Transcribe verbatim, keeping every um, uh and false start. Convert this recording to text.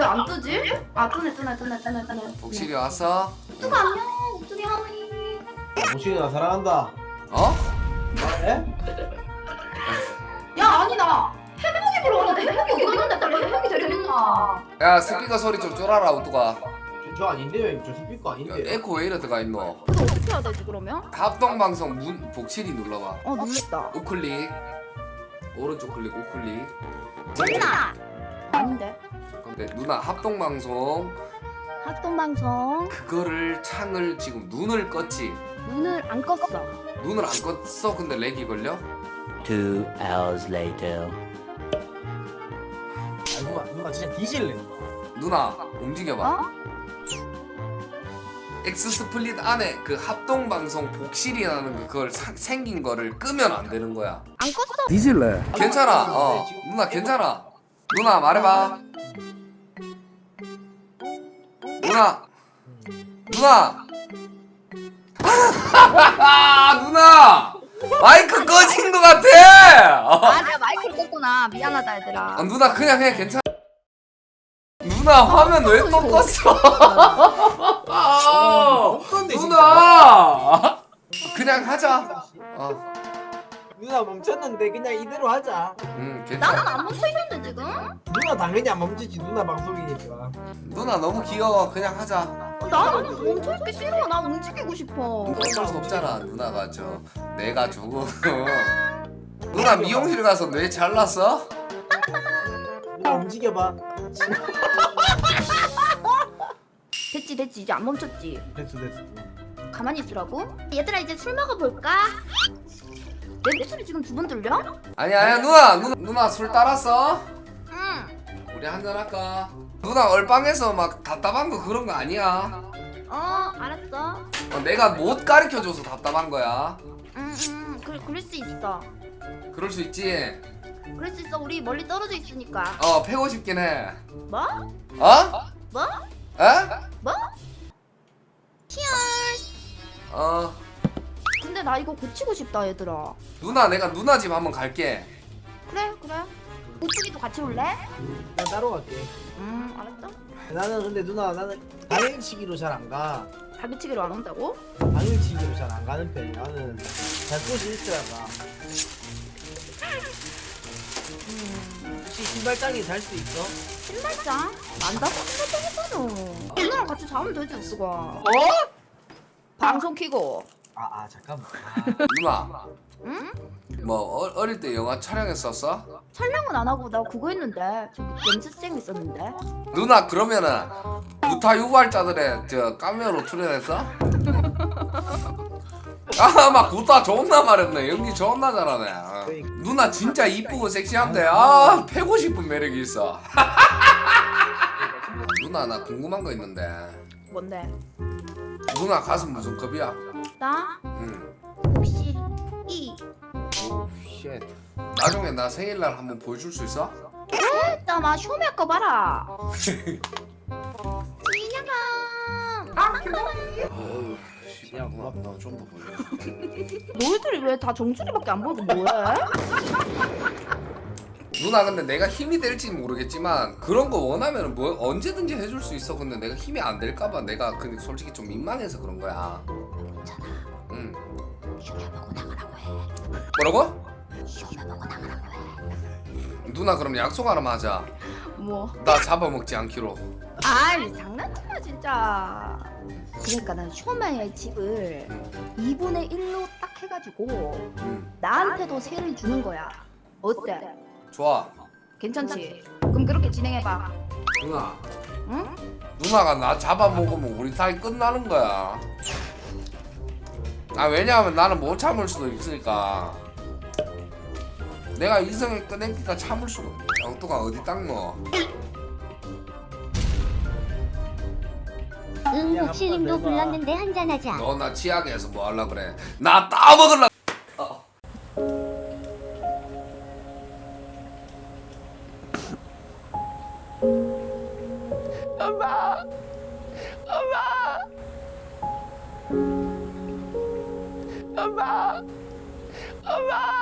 안 뜨지? 아 뜨네 뜨네 뜨네 뜨네 뜨네. 복실이 왔어? 뚜가 안녕. 뚜기 하니. 복실이가 사랑한다. 어? 에? 야 아니 나 해먹이 불러왔는데 해먹이 어디 갔는데 딸 해먹이 데려있나? 야 스피커 소리 좀 줄여라 우뚜가. 저, 저 아닌데요? 저 스피커 야, 아닌데요? 에코 왜 이래 들어가 있노? 그거 어떻게 해야 되지 그러면? 합동방송 문 복실이 눌러봐. 어 눌렀다. 우클릭 오른쪽 클릭 우클릭. 누나. 아닌데. 근데 누나 합동방송 합동방송 그거를 창을 지금 눈을 껐지. 문을 안 껐어. 눈을 안 껐어. 근데 렉이 걸려? Two hours later. 아, 누가, 누가 진짜 뒤질래. 누나 움직여봐. 어? 엑스 스플릿 안에 그 합동방송 복실이라는 그걸 사, 생긴 거를 끄면 안 되는 거야. 안 껐어. 뒤질래. 괜찮아. 어 누나 괜찮아. 누나 말해봐. 누나 누나 누나 마이크 꺼진 거 같아. 어. 아 내가 마이크를 껐구나. 미안하다 얘들아. 어, 누나 그냥 해 괜찮아. 누나 화면 왜 또 껐어? 아, 누나 그냥 하자. 어, 누나 멈췄는데 그냥 이대로 하자. 음 나는 괜찮아. 안 멈춰 있는데 지금? 누나 당연히 안 멈추지. 누나 방송이니까. 누나 너무 귀여워. 그냥 하자. 어, 나는 멈춰 있기 싫어. 난 움직이고 싶어. 어쩔 수 없잖아. 누나가 저 내가 주고. 누나 미용실 가서 뇌 잘랐어? 누나 움직여봐. 됐지 됐지 이제 안 멈췄지. 됐어 됐어. 가만히 있으라고? 얘들아 이제 술 먹어볼까? 내 목소리 지금 두 번 들려? 아니야 아니야 누나 누나 누나 술 따랐어? 응. 우리 한잔 할까? 누나 얼빵에서 막 답답한 거 그런 거 아니야. 어 알았어. 어, 내가 못 가르쳐줘서 답답한 거야. 응응 그래 그럴 수 있어. 그럴 수 있지. 그럴 수 있어. 우리 멀리 떨어져 있으니까. 어 패고 싶긴 해. 뭐? 어? 뭐? 에? 뭐? 치얼스. 어 근데 나 이거 고치고 싶다 얘들아. 누나 내가 누나 집 한번 갈게. 그래 그래. 우쭈기도 같이 올래? 나 따로 갈게. 음 알았어. 나는 근데 누나 나는 당일치기로 잘 안 가. 자기치기로 안 온다고? 당일치기로 잘 안 가는 편이야. 나는 잘 곳이 있어야 가. 음 혹시 신발장에 잘 수 있어? 신발장? 난다고 신발장 했잖아. 누나랑 같이 자면 되지 우쭈가. 어? 방송 키고. 아, 아 잠깐만. 누나 응? 뭐 어, 어릴 때 영화 촬영했었어? 촬영은 안 하고 나 그거 했는데 저기 연습생 있었는데. 누나 그러면은 무타 유발자들의 저 까메오로 출연했어? 아막 구타 존나 말했네. 연기 존나 잘하네. 어. 누나 진짜 이쁘고 섹시한데 아 패고 싶은 매력이 있어. 누나 나 궁금한 거 있는데 뭔데? 누나 가슴 무슨 급이야? 나 응. 혹시 이 오 쉣. 나중에 나 생일날 한번 보여줄 수 있어? 일단 막 쇼메 거 봐라. 진영아. 아 야 고맙다. 좀 더 보여. 너희들이 왜 다 정준이밖에 안 보이고 뭐해? 누나 근데 내가 힘이 될지 모르겠지만 그런 거 원하면 뭐 언제든지 해줄 수 있어. 근데 내가 힘이 안 될까봐 내가 근데 솔직히 좀 민망해서 그런 거야. 괜찮아. 응. 쇼메 보고 나가라고 해. 뭐라고? 쇼메 보고 나가라고 해. 누나 그럼 약속 하나만 하자. 뭐? 나 잡아먹지 않기로. 아이 장난치마 진짜. 그러니까 난 쇼메의 집을 이분의 일로 딱 해가지고 응. 나한테도 세를 주는 거야. 어때? 좋아. 괜찮지? 그럼 그렇게 진행해봐. 누나. 응? 누나가 나 잡아먹으면 우리 사이 끝나는 거야. 아 왜냐하면 나는 못 참을 수도 있으니까. 내가 이성을 꺼내니까 참을 수가. 영토가 어디 닦노? 응, 복실님도 불렀는데 한잔하자. 너 나 치약에 해서 뭐 하려 그래? 나 따먹을라. 어. 엄마, 엄마, 엄마, 엄마.